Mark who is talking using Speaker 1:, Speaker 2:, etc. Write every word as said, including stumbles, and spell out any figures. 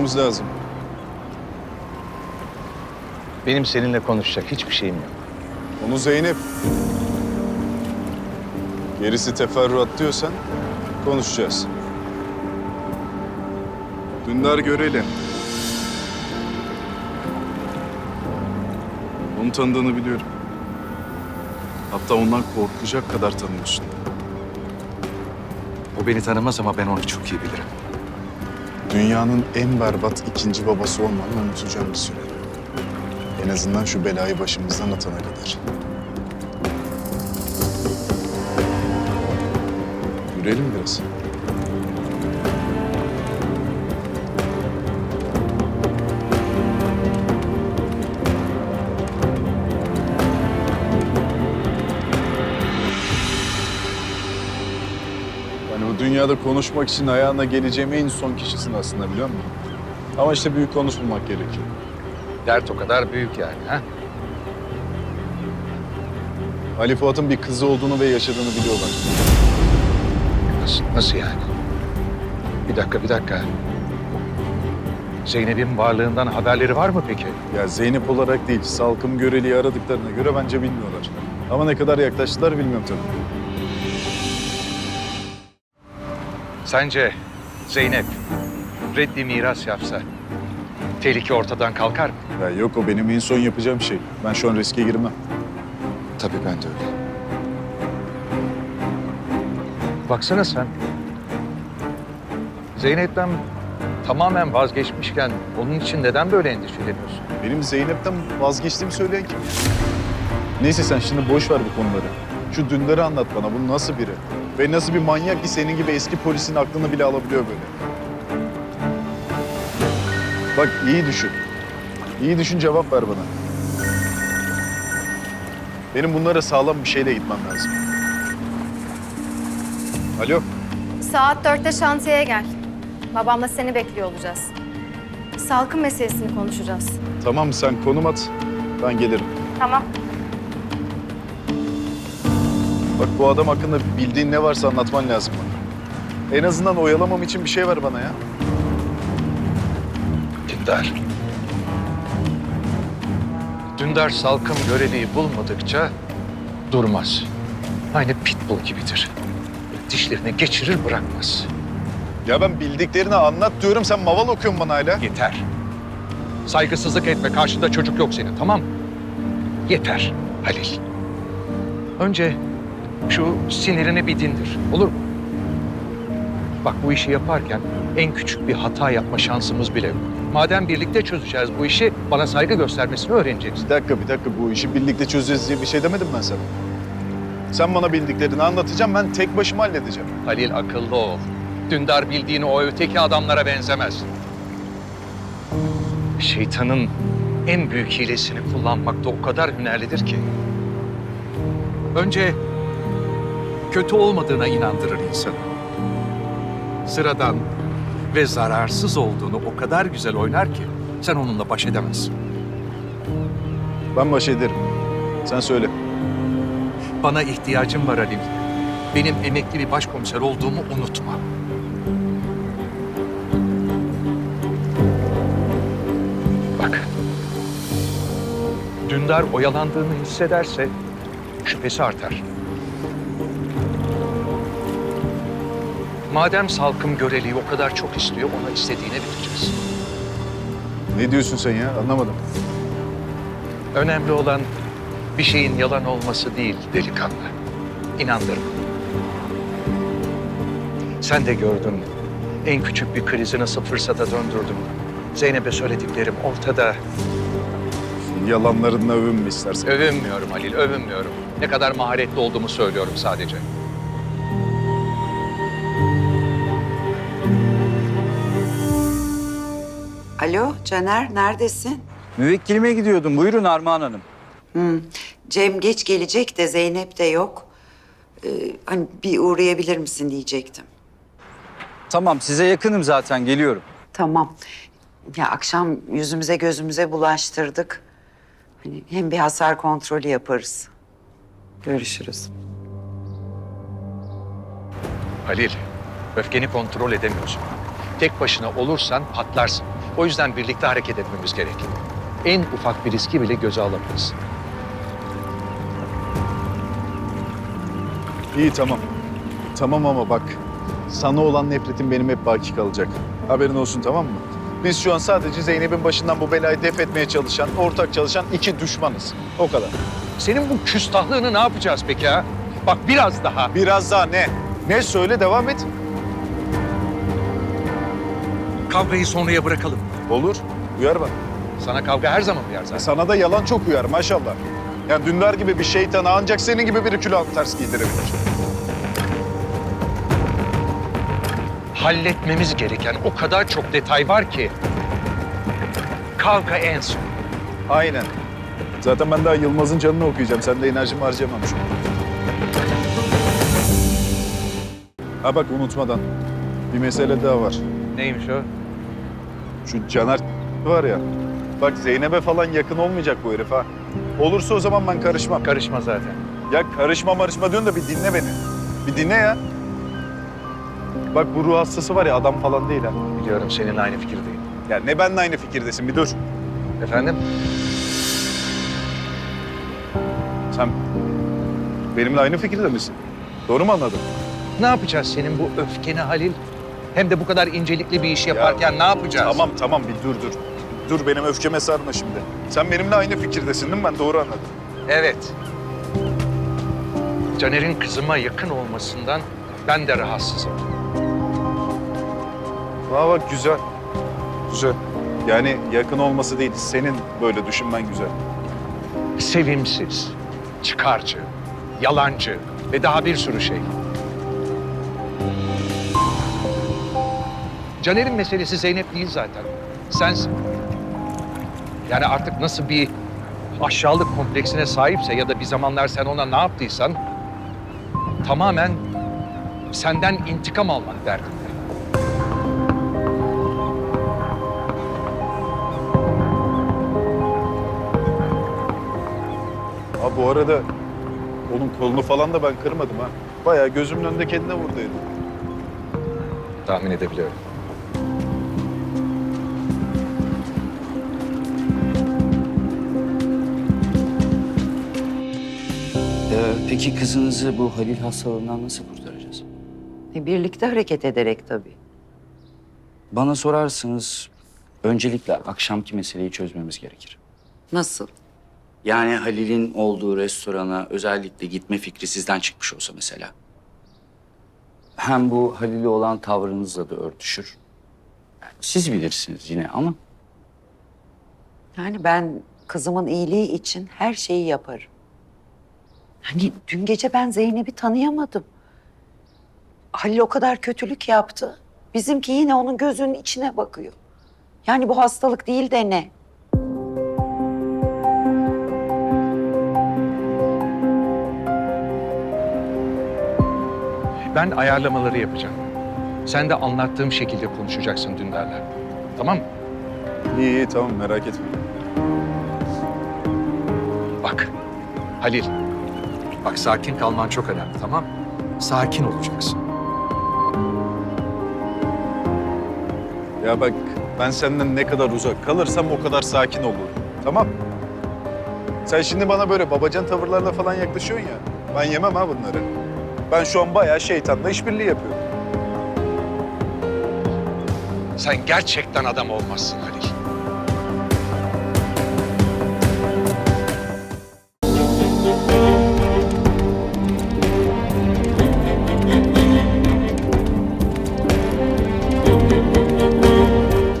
Speaker 1: konuşmamız lazım.
Speaker 2: Benim seninle konuşacak hiçbir şeyim yok.
Speaker 1: Onu Zeynep. Gerisi teferruat diyorsan konuşacağız. Dündar Göreli. Onu tanıdığını biliyorum. Hatta ondan korkacak kadar tanıyorsun.
Speaker 2: O beni tanımaz ama ben onu çok iyi bilirim.
Speaker 1: Dünyanın en berbat ikinci babası olmanı unutacağım bir süre. En azından şu belayı başımızdan atana kadar. Yürüyelim biraz. Yani bu dünyada konuşmak için ayağına geleceğim en son kişisin aslında, biliyor musun? Ama işte büyük konuşmamak gerekiyor.
Speaker 2: Dert o kadar büyük yani ha?
Speaker 1: Ali Fuat'ın bir kızı olduğunu ve yaşadığını biliyorlar.
Speaker 2: Nasıl, nasıl yani? Bir dakika, bir dakika. Zeynep'in varlığından haberleri var mı peki?
Speaker 1: Ya Zeynep olarak değil, Salkım Göreli'yi aradıklarına göre bence bilmiyorlar. Ama ne kadar yaklaştılar bilmiyorum tabii.
Speaker 2: Sence Zeynep reddi miras yapsa tehlike ortadan kalkar mı?
Speaker 1: Ya yok, o benim en son yapacağım şey. Ben şu an riske girmem.
Speaker 2: Tabii ben de öyle. Baksana sen. Zeynep'ten tamamen vazgeçmişken onun için neden böyle endişeleniyorsun?
Speaker 1: Benim Zeynep'ten vazgeçtiğimi söyleyen kim? Neyse sen şimdi boş ver bu konuları. Şu Dündar'ı anlat bana. Bu nasıl biri? Ve nasıl bir manyak ki senin gibi eski polisin aklını bile alabiliyor böyle? Bak iyi düşün. İyi düşün, cevap ver bana. Benim bunlara sağlam bir şeyle gitmem lazım. Alo.
Speaker 3: Saat dörtte şantiyeye gel. Babamla seni bekliyor olacağız. Salkım meselesini konuşacağız.
Speaker 1: Tamam, sen konum at. Ben gelirim.
Speaker 3: Tamam.
Speaker 1: Bak bu adam hakkında bildiğin ne varsa anlatman lazım bana. En azından oyalamam için bir şey ver bana ya.
Speaker 2: Dündar. Dündar Salkım Göreli'yi bulmadıkça durmaz. Aynı pitbull gibidir. Dişlerini geçirir bırakmaz.
Speaker 1: Ya ben bildiklerini anlat diyorum, sen maval okuyorsun bana hala.
Speaker 2: Yeter. Saygısızlık etme. Karşında çocuk yok senin, tamam mı? Yeter Halil. Önce şu sinirini bir dindir. Olur mu? Bak bu işi yaparken en küçük bir hata yapma şansımız bile yok. Madem birlikte çözeceğiz bu işi, bana saygı göstermesini öğreneceksin.
Speaker 1: Bir dakika, bir dakika. Bu işi birlikte çözeceğiz diye bir şey demedim ben sana. Sen bana bildiklerini anlatacağım, ben tek başıma halledeceğim.
Speaker 2: Halil akıllı ol. Dündar bildiğini o öteki adamlara benzemez. Şeytanın en büyük hilesini kullanmakta o kadar hünerlidir ki. Önce kötü olmadığına inandırır insanı. Sıradan ve zararsız olduğunu o kadar güzel oynar ki sen onunla baş edemezsin.
Speaker 1: Ben baş ederim. Sen söyle.
Speaker 2: Bana ihtiyacım var Halil. Benim emekli bir başkomiser olduğumu unutma. Bak. Dündar oyalandığını hissederse şüphesi artar. Madem Salkım Göreli'yi o kadar çok istiyor, ona istediğine vereceğiz.
Speaker 1: Ne diyorsun sen ya? Anlamadım.
Speaker 2: Önemli olan bir şeyin yalan olması değil delikanlı. İnandırma. Sen de gördün en küçük bir krizi nasıl fırsata döndürdüm. Zeynep'e söylediklerim ortada.
Speaker 1: Yalanlarınla övünme istersen.
Speaker 2: Övünmüyorum Halil, övünmüyorum. Ne kadar maharetli olduğumu söylüyorum sadece.
Speaker 4: Alo Caner, neredesin?
Speaker 5: Müvekkilime gidiyordum. Buyurun Armağan Hanım.
Speaker 4: Hmm. Cem geç gelecek de Zeynep de yok. Ee, hani bir uğrayabilir misin diyecektim.
Speaker 5: Tamam, size yakınım zaten. Geliyorum.
Speaker 4: Tamam. Ya akşam yüzümüze gözümüze bulaştırdık. Hani hem bir hasar kontrolü yaparız. Görüşürüz.
Speaker 2: Halil, öfkeni kontrol edemiyorsun. Tek başına olursan patlarsın. O yüzden birlikte hareket etmemiz gerek. En ufak bir riski bile göze alamayız.
Speaker 1: İyi tamam. Tamam ama bak, sana olan nefretim benim hep baki kalacak. Haberin olsun, tamam mı? Biz şu an sadece Zeynep'in başından bu belayı def etmeye çalışan, ortak çalışan iki düşmanız. O kadar.
Speaker 2: Senin bu küstahlığını ne yapacağız peki ha? Bak biraz daha.
Speaker 1: Biraz daha ne? Ne söyle, devam et.
Speaker 2: Kavgayı sonraya bırakalım.
Speaker 1: Olur, uyar bak.
Speaker 2: Sana kavga her zaman uyar zaten.
Speaker 1: Sana da yalan çok uyar maşallah. Yani Dündar gibi bir şeytana ancak senin gibi biri külahını ters giydirebilir.
Speaker 2: Halletmemiz gereken o kadar çok detay var ki. Kavga en son.
Speaker 1: Aynen. Zaten ben daha Yılmaz'ın canını okuyacağım. Sen de enerjimi harcamamış. Ha bak, unutmadan. Bir mesele daha var.
Speaker 2: Neymiş o?
Speaker 1: Şu Caner var ya. Bak Zeynep'e falan yakın olmayacak bu herif ha. Olursa o zaman ben karışmam.
Speaker 2: Karışma zaten.
Speaker 1: Ya karışma marışma diyorsun da bir dinle beni. Bir dinle ya. Bak bu ruh hastası var ya, adam falan değil ha.
Speaker 2: Biliyorum, seninle aynı fikirdeyim.
Speaker 1: Ya ne benimle aynı fikirdesin, bir dur.
Speaker 2: Efendim?
Speaker 1: Sen benimle aynı fikirde misin? Doğru mu anladım?
Speaker 2: Ne yapacağız senin bu öfkeni Halil? Hem de bu kadar incelikli bir iş yaparken ne yapacağız?
Speaker 1: Tamam tamam, bir dur dur. Dur, benim öfkeme sarma şimdi. Sen benimle aynı fikirdesin değil mi? Ben doğru anladım.
Speaker 2: Evet. Caner'in kızıma yakın olmasından ben de rahatsızım.
Speaker 1: Aa bak, güzel. Güzel. Yani yakın olması değil, senin böyle düşünmen güzel.
Speaker 2: Sevimsiz, çıkarcı, yalancı ve daha bir sürü şey. Caner'in meselesi Zeynep değil zaten. Sensin. Yani artık nasıl bir aşağılık kompleksine sahipse ya da bir zamanlar sen ona ne yaptıysan tamamen senden intikam almak derdinde.
Speaker 1: Ha bu arada onun kolunu falan da ben kırmadım ha. Bayağı gözümün önünde kendine vurduydu.
Speaker 2: Tahmin edebiliyorum.
Speaker 5: Ee, peki kızınızı bu Halil hastalığından nasıl kurtaracağız?
Speaker 4: E, birlikte hareket ederek tabii.
Speaker 5: Bana sorarsanız öncelikle akşamki meseleyi çözmemiz gerekir.
Speaker 4: Nasıl?
Speaker 5: Yani Halil'in olduğu restorana özellikle gitme fikri sizden çıkmış olsa mesela. Hem bu Halil'e olan tavrınızla da örtüşür. Yani siz bilirsiniz yine ama
Speaker 4: Yani ben kızımın iyiliği için her şeyi yaparım. Hani dün gece ben Zeynep'i tanıyamadım. Halil o kadar kötülük yaptı. Bizimki yine onun gözünün içine bakıyor. Yani bu hastalık değil de ne?
Speaker 2: Ben ayarlamaları yapacağım. Sen de anlattığım şekilde konuşacaksın Dündar'la. Tamam mı?
Speaker 1: İyi iyi, tamam, merak etme.
Speaker 2: Bak Halil. Bak sakin kalman çok önemli, tamam mı? Sakin olacaksın.
Speaker 1: Ya bak, ben senden ne kadar uzak kalırsam o kadar sakin olurum. Tamam. Sen şimdi bana böyle babacan tavırlarla falan yaklaşıyorsun ya. Ben yemem ha bunları. Ben şu an bayağı şeytanla işbirliği yapıyorum.
Speaker 2: Sen gerçekten adam olmazsın Halil.